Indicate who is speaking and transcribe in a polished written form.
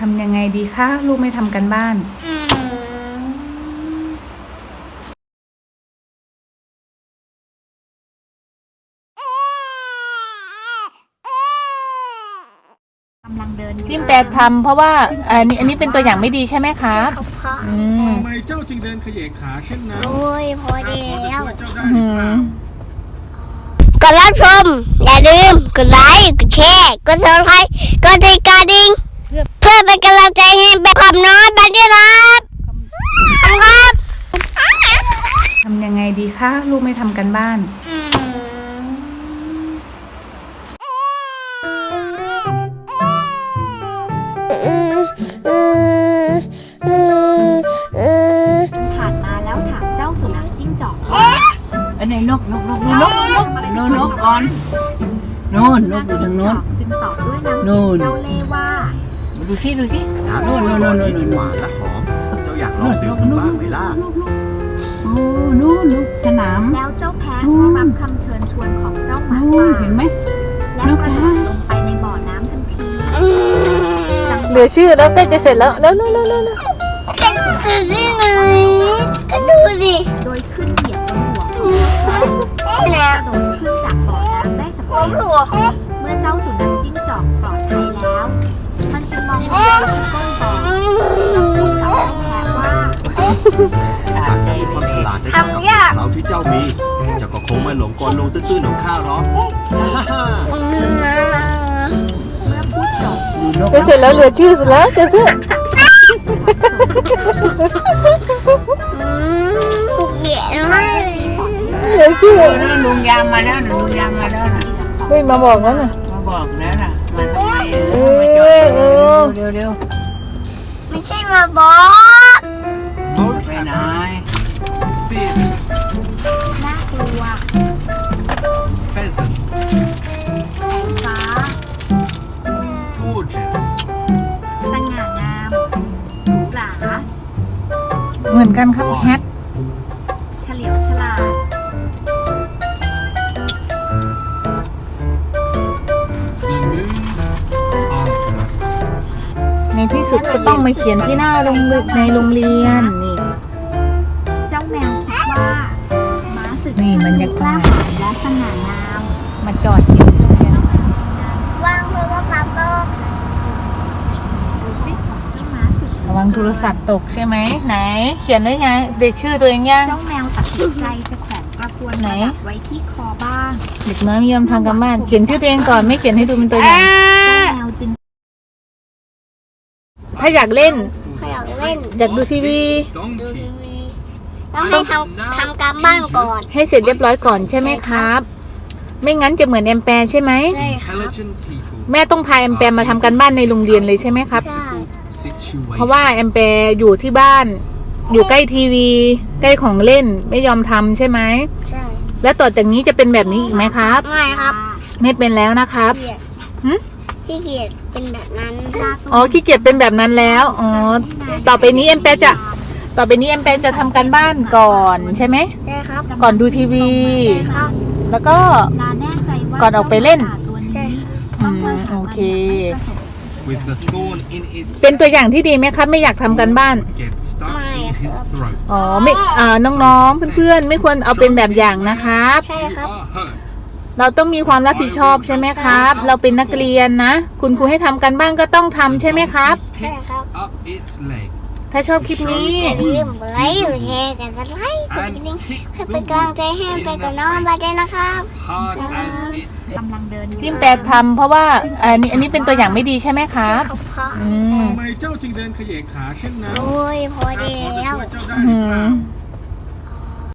Speaker 1: ทำยังไงดีคะลูกไม่ทำกันบ้าน
Speaker 2: กำลังเดินอยู่
Speaker 1: พิมพ์แปลทำเพราะว่าอันนี้เป็นตัวอย่างไม่ดีใช่ไหมครับ
Speaker 3: เขาเพาะ
Speaker 4: ทำไมเจ้าจึงเดินเขย่ขาเช่นนั้น
Speaker 3: โอ้ยพอ
Speaker 4: ข้า
Speaker 3: ดี
Speaker 4: พอจะ
Speaker 3: แล้ว
Speaker 4: ช่วยเจ้าได้หรือเปล่า
Speaker 3: กดรับชมอย่าลืมกดไลค์กดแชร์กดซับสไครต์กดติดกระดิ่งเพื่อเป็นกำลังใจให้เป็นความน้อยไปด้วยครับครับ
Speaker 1: ทำยังไงดีคะลูกไม่ทำกันบ้าน
Speaker 2: ผ่านมาแล้วถามเจ้าสุนัขจิ้งจอก
Speaker 5: อันนี้นกก่อนโน่นนกอยู่ทางโน้น
Speaker 2: จึงตอบด้วยน้ำ
Speaker 5: นู่
Speaker 2: เสียง
Speaker 5: น
Speaker 2: เจ้าเล่ห์ว่า
Speaker 5: ดูสิ
Speaker 6: น้ำที่กินหวานและหอม เจ้าอยากลองดื่มดูบ้างไหมล่ะ
Speaker 5: โอ้นู่นสนาม
Speaker 2: แล้วเจ้าแพะก็รับคำเชิญชวนของเจ้าหมา
Speaker 5: โอ้
Speaker 2: ป่า
Speaker 5: เห็นไหม
Speaker 2: และกระโดดลงไปในบ่อน้ำทันทีจังห
Speaker 1: เหลื
Speaker 2: วะ
Speaker 1: อชื่อแล้วใกล้จะเสร็จแล้วเร็ว
Speaker 3: ดูสิหน่อยก็ดูดิ
Speaker 2: โดยขึ้นเหยียบบนหัวของเจ้าแพะกระโดดขึ้นจากบ่อน้ำได้สำ
Speaker 3: ผม
Speaker 2: เร็จ
Speaker 3: หัว
Speaker 2: เมื่อเจ้าสุนัขจิ้งจอกปลอดภัยแล้ว มันจึงมองลงไปที่ก้นบ่อแล้วพูดกับเจ้าแพะว่า
Speaker 6: หากเจ้ามีความฉลาดในการกับเราที่เจ้ามี เจ้าก็คงไม่หลงกลลงตื้นๆของข้าหรอก
Speaker 2: เมื่อพูดจบ
Speaker 1: จะเสร็จแล้วเหลือชื่อเสร็จแล้วจะชื่อ
Speaker 3: ปุกเดียมาก
Speaker 1: เหลือชื่อ
Speaker 5: ลุงยามมาแล้วนะ
Speaker 1: เฮ้ยมาบอกแล้วน่ะ
Speaker 5: มาบอกแล้วนะมาทำไม
Speaker 1: เอ
Speaker 5: มาจอ
Speaker 1: อ
Speaker 5: ดเร็ว
Speaker 3: ไม่ใช่มาบอก
Speaker 5: ไปไหน
Speaker 2: น่ากลัวแสงฟ้า สง่างามหรูหรา
Speaker 1: เหมือนกันครับแฮท
Speaker 2: เฉลียวฉลาด
Speaker 1: ในที่สุดก็ต้องมาเขียนที่หน้าในโรงเรียนนี่
Speaker 2: เจ้าแมวคิดว่าม้าศึก
Speaker 1: นี่บรรยากาศ
Speaker 2: ล้หญและสง่างาม
Speaker 1: มาจอดที่โรงเรียน
Speaker 3: วางเพราะว่าปรับตก
Speaker 2: ดูสิของเจ้าม้าศึก
Speaker 1: ระวังโทรศัพท์ตกใช่ไหมไหน เขียนได้ยังเด็กชื่อตัวเองยัง
Speaker 2: เจ้าแมวตัดสินใจจะแขวนกระพวน
Speaker 1: ไหน
Speaker 2: ประดับไว้ที่คอบ้าง
Speaker 1: เด็กน้อยไม่ยอมทำกันบ้านเขียนชื่อตัวเองก่อนไม่เขียนให้ดูเป็นตัวอย่าง
Speaker 2: เจ้าแมวจึง
Speaker 1: ถ้าอยากเล่น
Speaker 3: เขาอยากเล่น
Speaker 1: อยากดูทีวี
Speaker 3: ดูทีวีต้องให้ทำการบ้านก่อน
Speaker 1: ให้เสร็จเรียบร้อยก่อนใช่ไหมครับ ไม่งั้นจะเหมือนแอมแปร์ใช่ไหม
Speaker 3: ใช่ครับ
Speaker 1: แม่ต้องพาแอมแปร์มาทำกันบ้านในโรงเรียนเลยใช่ไหมครับ
Speaker 3: ใช่
Speaker 1: เพราะว่าแอมแปร์อยู่ที่บ้าน อยู่ใกล้ทีวี ใกล้ของเล่นไม่ยอมทำใช่ไหม
Speaker 3: ใช่
Speaker 1: แล้วต่อจากนี้จะเป็นแบบนี้อีกไหมครับ
Speaker 3: ไม่ครับ
Speaker 1: ไม่เป็นแล้วนะครับ
Speaker 3: เกียด
Speaker 1: หึ
Speaker 3: ที่เกียดเป็นแบบนั้น
Speaker 1: อ๋อขี้เกียจเป็นแบบนั้นแล้วอ๋อต่อไปนี้แอมแปร์จะทำกันบ้านก่อนใช่ไหม
Speaker 3: ใช่ครับ
Speaker 1: ก่อนดูทีวี
Speaker 3: ใช่ครับ
Speaker 1: แล้วก็
Speaker 2: ลาแน่ใจว่า
Speaker 1: ก่อนออกไปเล่น
Speaker 3: ใช่
Speaker 1: โอเค
Speaker 4: With the thorn in its
Speaker 1: เป็นตัวอย่างที่ดีไหมครับ ไม่อยากทำกันบ้าน
Speaker 4: get stuck in his throat.
Speaker 1: อ๋อไม่น้องๆเพื่อนๆไม่ควรเอาเป็นแบบอย่างนะครับ
Speaker 3: ใช่ครับ
Speaker 4: hurt.
Speaker 1: เราต้องมีความรับผิดชอบใช่ไหมครับ เราเป็นนักเรียนนะ คุณครูให้ทำกันบ้านก็ต้องทำใช่ไหมครับ
Speaker 3: ใช่ครับ
Speaker 4: Up its leg
Speaker 1: ถ้าชอบคลิปนี้
Speaker 3: อย่าลืมไลค์อยู่แชร์กันกันไลค์กดกระดิ่งให้เป็นกำลังใจให้ไปกับน้องบาเจนะครับ
Speaker 4: hard as it
Speaker 2: กำลังเดินอยู่
Speaker 1: พิมพ์แปลทำเพราะว่าอันนี้เป็นตัวอย่างไม่ดีใช่ไหมครับ
Speaker 3: เขาเพาะ
Speaker 1: อืม
Speaker 4: ทำไมเจ้าจึงเดินเขย่ขาเช่นนั้น
Speaker 3: โอ้ยพอ
Speaker 4: ข้า
Speaker 3: ดี
Speaker 4: พอจะ
Speaker 3: แล้ว
Speaker 4: ช่วยเจ้าได้หรือเปล่า